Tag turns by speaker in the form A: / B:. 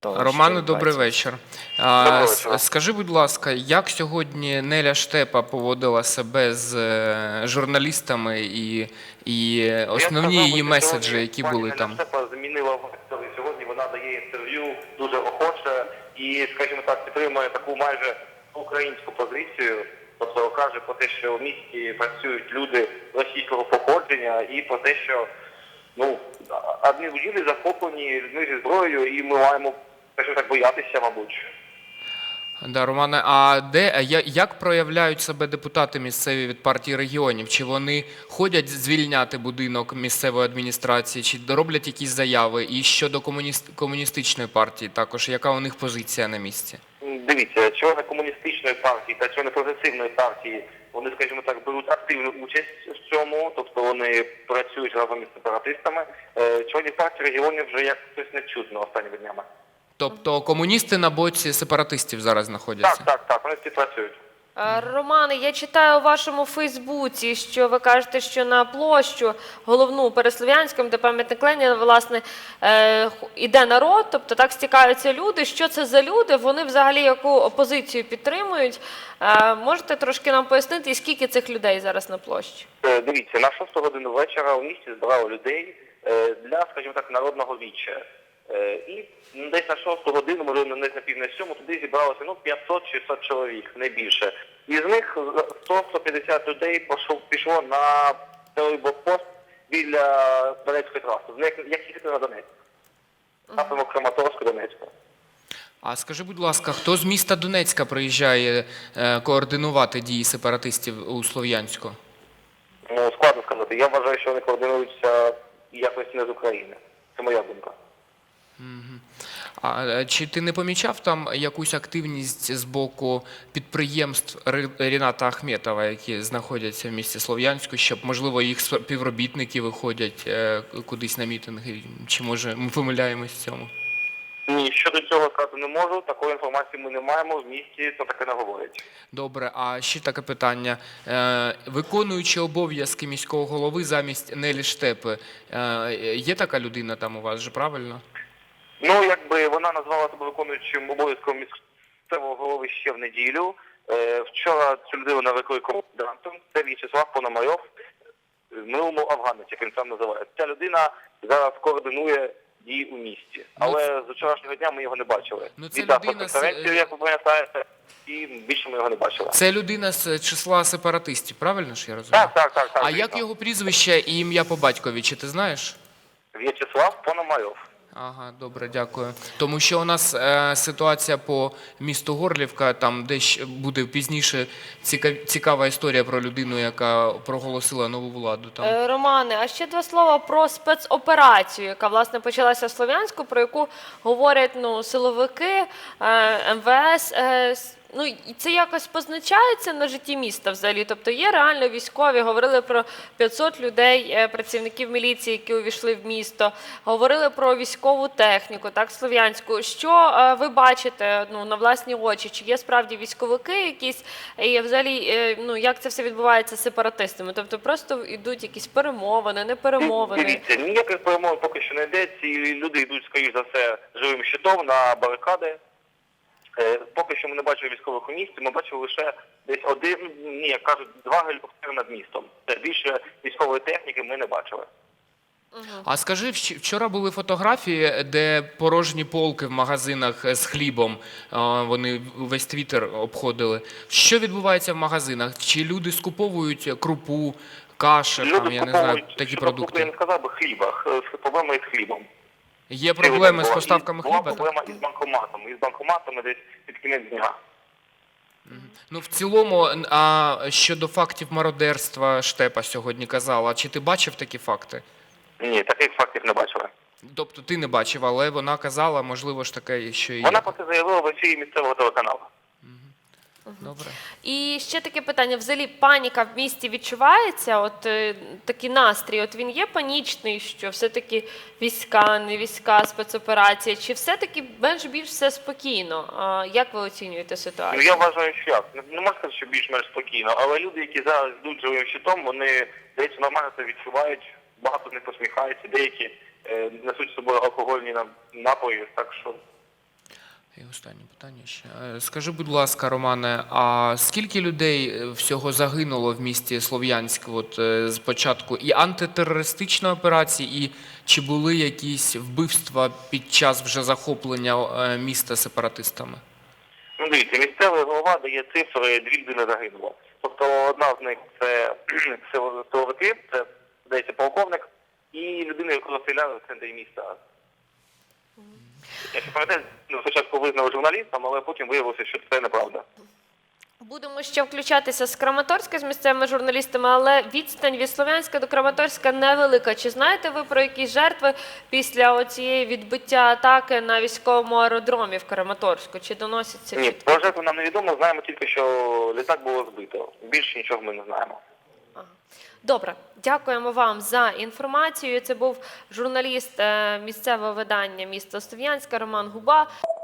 A: Романе, добрий вечір.
B: Доброго вечора.
A: Скажи, будь ласка, як сьогодні Неля Штепа поводила себе з журналістами і основні її меседжі, які були там?
B: Неля Штепа змінила вектор, і сьогодні вона дає інтерв'ю дуже охоче і, скажімо так, підтримує таку майже українську позицію. Тобто каже про те, що в місті працюють люди російського походження і про те, що адмінбудівлі захоплені людьми зі зброєю і ми маємо, скажімо так, боятися, мабуть.
A: Да, Романе, як проявляють себе депутати місцеві від партії регіонів? Чи вони ходять звільняти будинок місцевої адміністрації, чи роблять якісь заяви? І щодо комуністичної партії також, яка у них позиція на місці?
B: Дивіться, члени комуністичної партії та члени прогресивної партії, вони, скажімо так, беруть активну участь в цьому, тобто вони працюють разом із сепаратистами. Членів партії регіонів вже як щось не чутно останніми днями.
A: Тобто комуністи на боці сепаратистів зараз знаходяться?
B: Так, вони всі працюють.
C: Романе, я читаю у вашому Фейсбуці, що ви кажете, що на площу головну Переслов'янському, де пам'ятник Леніна, власне, іде народ, тобто так стікаються люди. Що це за люди? Вони взагалі яку опозицію підтримують? Можете трошки нам пояснити, і скільки цих людей зараз на площі?
B: Дивіться, на 6 годину вечора у місті збирали людей для, скажімо так, народного віччя. І десь на 6 годину, можливо, десь на пів на 7, туди зібралося 500-600 чоловік, не більше. Із них 100-150 людей пішло на цей блокпост біля Донецької траси, як їхати на Донецьк. Напрямок Краматорську, Донецьку.
A: А скажи, будь ласка, хто з міста Донецька приїжджає координувати дії сепаратистів у Слов'янську?
B: Складно сказати. Я вважаю, що вони координуються якось не з України. Це моя думка.
A: А чи ти не помічав там якусь активність з боку підприємств Ріната Ахметова, які знаходяться в місті Слов'янську, щоб, можливо, їх співробітники виходять кудись на мітинги? Чи, може, ми помиляємось в цьому?
B: Ні, щодо цього сказати не можу. Такої інформації ми не маємо, в місті то таке не говорять.
A: Добре, а ще таке питання. Виконуючи обов'язки міського голови замість Нелі Штепи, є така людина там у вас же, правильно?
B: Якби вона назвала себе виконуючим обов'язком місцевого голови ще в неділю. Вчора цю людину навикли комендантом. Це В'ячеслав Пономарьов, в минулому афганець, як він сам називає. Ця людина зараз координує дії у місті. Але з вчорашнього дня ми його не бачили.
A: Це
B: Віддав
A: людина
B: конференцію, як ви пам'ятаєте, і більше ми його не бачили.
A: Це людина з числа сепаратистів, правильно ж я розумію?
B: Так.
A: А як його прізвище і ім'я по батькові, чи ти знаєш?
B: В'ячеслав Пономарьов.
A: Ага, добре, дякую. Тому що у нас ситуація по місту Горлівка, там десь буде пізніше цікава історія про людину, яка проголосила нову владу. Там.
C: Романе, а ще два слова про спецоперацію, яка, власне, почалася в Слов'янську, про яку говорять силовики, МВС. І це якось позначається на житті міста взагалі? Тобто є реально військові, говорили про 500 людей, працівників міліції, які увійшли в місто, говорили про військову техніку, так, слов'янську. Що ви бачите на власні очі? Чи є справді військовики якісь? І взагалі, як це все відбувається з сепаратистами? Тобто просто йдуть якісь перемовини, не перемовини?
B: Дивіться, ніяких перемовин поки що не йде. Ці люди йдуть, скоріш за все, живим щитом на барикади. Поки що ми не бачили військових у місті, ми бачили лише десь як кажуть, 2 гелікоптери над містом. Більше військової техніки ми не бачили.
A: А скажи, вчора були фотографії, де порожні полки в магазинах з хлібом, вони весь Твіттер обходили. Що відбувається в магазинах? Чи люди скуповують крупу, каші, я не знаю, такі продукти?
B: Я не сказав би хліба, проблема із хлібом.
A: Є проблеми з поставками хліба?
B: Була проблема із банкоматами десь під кінець дня.
A: В цілому, щодо фактів мародерства Штепа сьогодні казала, чи ти бачив такі факти?
B: Ні, таких фактів не бачила.
A: Тобто ти не бачив, але вона казала, можливо ж таке, що і є.
B: Вона про це заявила в ефірі місцевого телеканалу.
A: Добре.
C: І ще таке питання. Взагалі паніка в місті відчувається? Такий настрій, він є панічний, що все-таки війська, не війська, спецоперація? Чи все-таки більш все спокійно? Як ви оцінюєте ситуацію?
B: Я вважаю, що як. Не можна сказати, що більш-менш спокійно, але люди, які зараз йдуть живим щитом, вони, здається, нормально це відчувають, багато з них посміхаються, деякі несуть з собою алкогольні напої, так що
A: І останнє питання ще. Скажи, будь ласка, Романе, а скільки людей всього загинуло в місті Слов'янськ з початку і антитерористичної операції, і чи були якісь вбивства під час вже захоплення міста сепаратистами?
B: Ну, дивіться, місцевий голова дає цифри, 2 людини загинуло. Тобто одна з них це силовики, це, здається, полковник, і людина, яку розстріляли в центрі міста. Я ще пам'ятаю, спочатку визнали журналістом, але потім виявилося, що це неправда.
C: Будемо ще включатися з Краматорська з місцевими журналістами, але відстань від Слов'янська до Краматорська невелика. Чи знаєте ви про якісь жертви після оцієї відбиття атаки на військовому аеродромі в Краматорську? Чи доносяться
B: Ні,
C: чутки?
B: про жертву нам невідомо, знаємо тільки, що літак було збито. Більше нічого ми не знаємо.
C: Добре, дякуємо вам за інформацію. Це був журналіст місцевого видання міста Слов'янська Роман Губа.